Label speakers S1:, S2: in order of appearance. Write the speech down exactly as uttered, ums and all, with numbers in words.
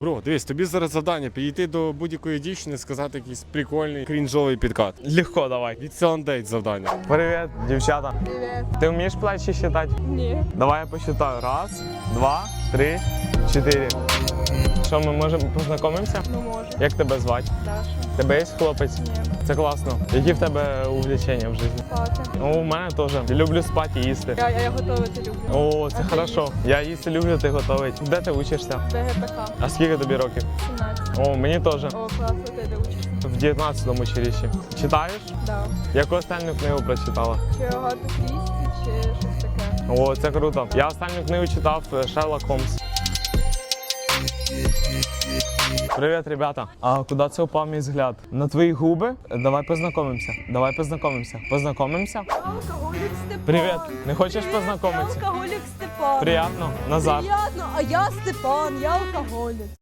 S1: Бро, дивись, тобі зараз завдання підійти до будь-якої дівчини, сказати якийсь прикольний крінжовий підкат.
S2: Легко, давай.
S1: Від селандейт завдання.
S2: Привіт, дівчата.
S3: Привет.
S2: Ти вмієш плечі считати?
S3: Ні.
S2: Давай я посчитаю. Раз, два, три, чотири. Що, ми можемо познайомимося?
S3: Ну може.
S2: Як тебе звати?
S3: Даша.
S2: Тебе є хлопець?
S3: Ні.
S2: Це класно. Які в тебе увлечення в житті?
S3: Спати.
S2: Ну, у мене теж. Люблю спати і їсти.
S3: Я, я готувати люблю.
S2: О, це
S3: А ти
S2: хорошо. Я їсти люблю, ти готовий. Де ти учишся?
S3: БГПК.
S2: А скільки тобі років?
S3: сімнадцять.
S2: О, мені теж.
S3: О, класно, ти де учишся?
S2: В дев'ятнадцятому училищі. Читаєш?
S3: Да.
S2: Яку останню книгу прочитала?
S3: Чи Агату Крісті, чи щось таке?
S2: О, це круто. Я останню книгу читав е, Шерлок Холмс. Привіт, ребята. А куди це упав мій взгляд? На твої губи? Давай познайомимося. Давай познайомимося. Познайомимося?
S3: Алкоголік Степан.
S2: Привіт. Не хочеш познайомитися?
S3: Алкоголік Степан.
S2: Приятно. Назар.
S3: Приятно, а я Степан, я алкоголік.